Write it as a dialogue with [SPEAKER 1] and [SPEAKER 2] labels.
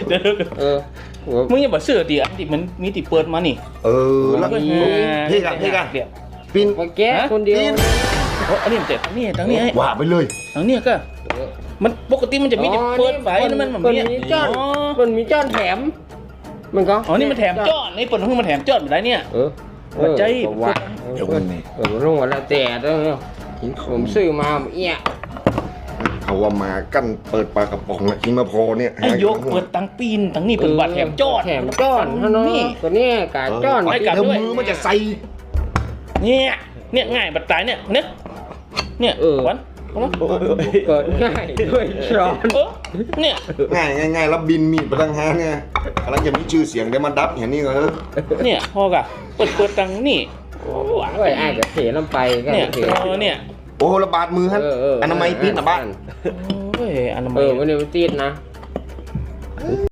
[SPEAKER 1] เดี๋ยวมึงยังบอกเสื้อตีอันที่มันมีติเปิดมานี่
[SPEAKER 2] แล้วพี่กันปีน
[SPEAKER 3] มาแก้คนเดียว
[SPEAKER 1] อันนี้มันแต่ทางนี้ไอ้
[SPEAKER 2] ว่าไปเลย
[SPEAKER 1] ทางนี้ก็มันปกติมันจะมีติเปิดไฟนั่นมันแบบนี้
[SPEAKER 3] มันมีจ้อนแถมมันก็
[SPEAKER 1] อ๋อนี่มันแถมจ้อนในปนห้องมันแถมจ้อนมาได้เนี่ยใจ
[SPEAKER 3] ว่าเดี๋ยวนี่รู้ว่าแล้วแต่ด้วยผมซื้อมาเอี้ย
[SPEAKER 2] เขาว่ามากั้นเปิดปลากระป๋องอะกินมาพอเนี่ย
[SPEAKER 1] ไอ้ยกเปิดตังปีนตังนี่เปิดบัตรแถมจ้อน
[SPEAKER 3] นี่ตัวนี้กาจ้อน
[SPEAKER 2] เดี๋ยวมือมันจะใส่
[SPEAKER 1] เนี่ยง่ายบัตรตายเนี่ยวัน
[SPEAKER 3] เปิดง่ายด้วยช้อน
[SPEAKER 1] เนี่ย
[SPEAKER 2] ง่ายแล้วบินมีดไปตั้ง5เนี่ยกำลังจะมีชื่อเสียงได้มาดับเห็นนี่ก็
[SPEAKER 1] เนี่ยพอกะเปิดตังนี่
[SPEAKER 3] โอ้ยไอ้จะเทน้ำไปก็
[SPEAKER 1] เนี่ย
[SPEAKER 2] โอ้ระบาดมือฮะอนามัยปิดนะบ้าน
[SPEAKER 1] โอ้ยอนามัย
[SPEAKER 3] วันนี้มันติดนะ